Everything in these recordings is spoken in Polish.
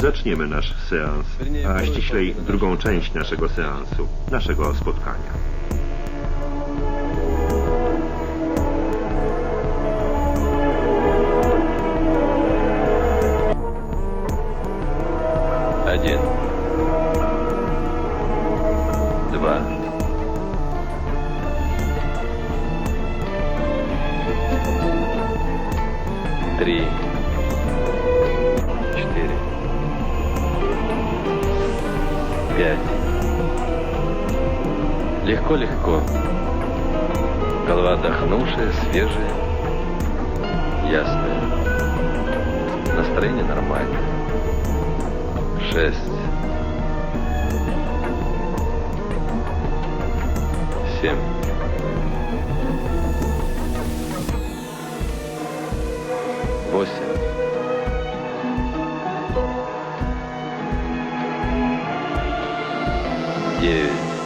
zaczniemy nasz seans, a ściślej drugą część naszego seansu, naszego spotkania. Один, два, три, четыре, пять. Легко-легко. Голова отдохнувшая, свежая, ясная. Настроение нормальное. 6, 7, 8, 9,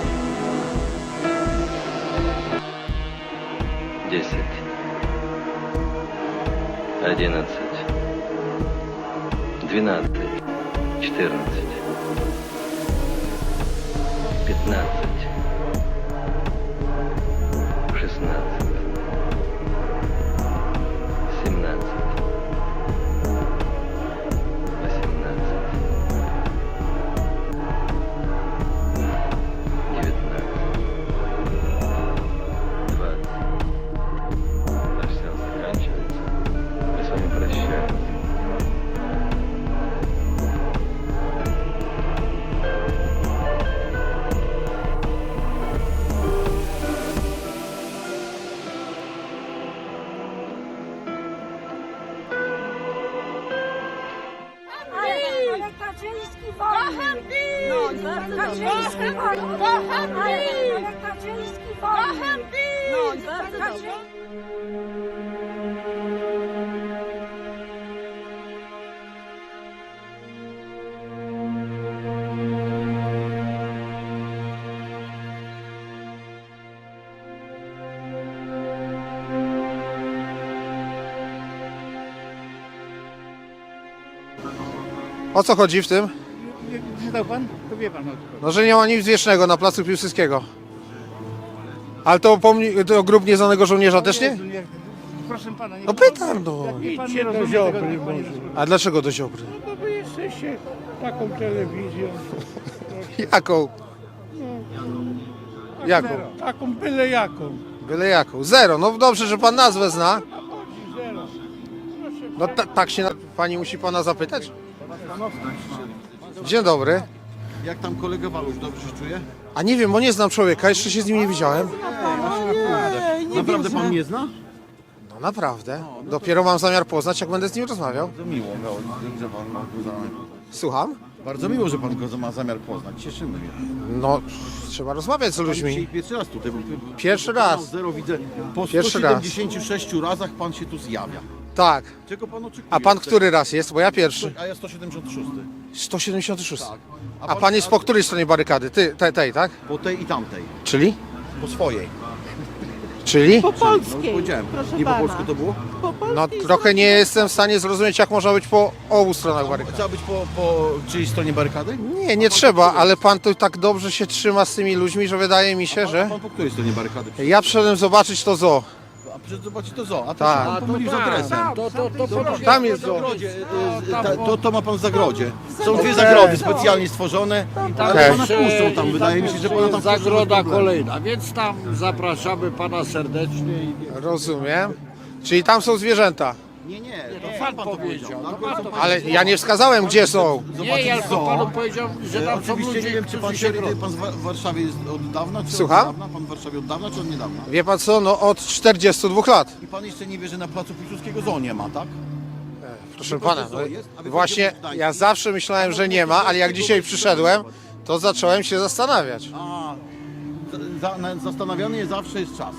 10, 11, 12, 14, 15, 16, 17, 18, 19, 20. Наш сеанс заканчивается. Мы с вами прощаемся. Ale Kaczyński wolny! No, Kaczyński wolny! Ale Kaczyński wolny! No, Kaczyński... O co chodzi w tym? Nie znał pan? To wie pan o co chodzi. No, że nie ma nic wiecznego na placu Piłsudskiego. Ale to grób nieznanego żołnierza też nie? Jezu, proszę pana, nie. No pytam, no. Jak pan nie Idźcie do rozumie Ziobry tego, niech pan nie może. słucha. A dlaczego do Ziobry? No bo jesteście taką telewizją, Jaką? Jaką? taką byle jaką. Byle jaką. Zero. No dobrze, że pan nazwę zna. A chodzi zero. Proszę, No tak się pani musi pana zapytać? Dzień dobry. Jak tam kolega Waluś, dobrze się czuje? A nie wiem, bo nie znam człowieka, jeszcze się z nim nie widziałem. Naprawdę pan nie zna? No naprawdę. Dopiero mam zamiar poznać, jak będę z nim rozmawiał. Bardzo miło, że pan ma go zamiar. Słucham? Bardzo miło, że pan go ma zamiar poznać. Cieszymy się. No, trzeba rozmawiać z Pan dzisiaj ludźmi. pierwszy raz tutaj. Bo Pierwszy kanał raz. Zero widzę. Po Pierwszy raz. 176 razach pan się tu zjawia. Tak. Czego pan oczekuje? A pan który raz jest? Bo ja pierwszy. A ja 176. 176. Tak. A pan jest po której stronie barykady? Tej, tak? Po tej i tamtej. Czyli? Po swojej. Czyli? No powiedziałem. Nie po polsku to było? No trochę nie jestem w stanie zrozumieć, jak można być po obu stronach barykady. Trzeba być po czyjej stronie barykady? Nie, nie trzeba, ale pan tu tak dobrze się trzyma z tymi ludźmi, że wydaje mi się, A że... pan po której stronie barykady? Ja przyszedłem zobaczyć to zoo. A przecież zobaczyć to zoo. A to Tak. się pan pomylił z adresem. Tam jest zoo. To ma pan w zagrodzie. Są dwie zagrody specjalnie stworzone, ale Okej. pana puszczą tam, wydaje mi się, że pana tam Zagroda puszczą. kolejna, więc tam zapraszamy pana serdecznie. Rozumiem. Czyli tam są zwierzęta. Nie, to pan to powiedział. Ale ja nie wskazałem, gdzie są. Nie, ja tylko panu powiedział, że tam są Oczywiście ludzie, nie wiem, czy pan, którzy się grodzą. pan w Warszawie jest od dawna, czy Słucham? od niedawna? Pan w Warszawie od dawna, czy od niedawna? Wie pan co, no od 42 lat. I pan jeszcze nie wie, że na placu Piłsudskiego zoo nie ma, tak? Proszę Wie pan, pana, że zoo jest? A wie pan, właśnie gdzie jest ja zawsze myślałem, że nie ma, ale jak dzisiaj przyszedłem, to zacząłem się zastanawiać. A, zastanawiany jest zawsze jest czas.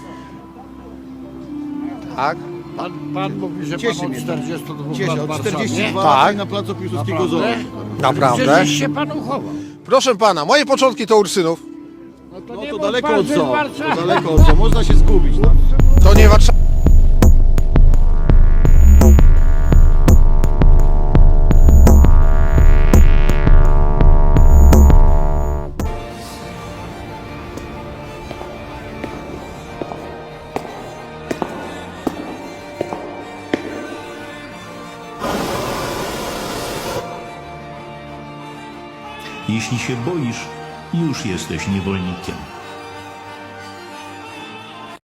Tak? Pan mówi, że Cieszy pan od mnie to. 42 Cieszę, lat w od Warszawie. 42 Tak. lat na placu Piłsudskiego zoo. Naprawdę? Gdzieś się pan uchował. Proszę pana, moje początki to Ursynów. No to No nie to mów daleko pan, od że zoo. w Warszawie. To daleko od zoo. Można się zgubić tam. To nie Warszawa. Jeśli się boisz, już jesteś niewolnikiem.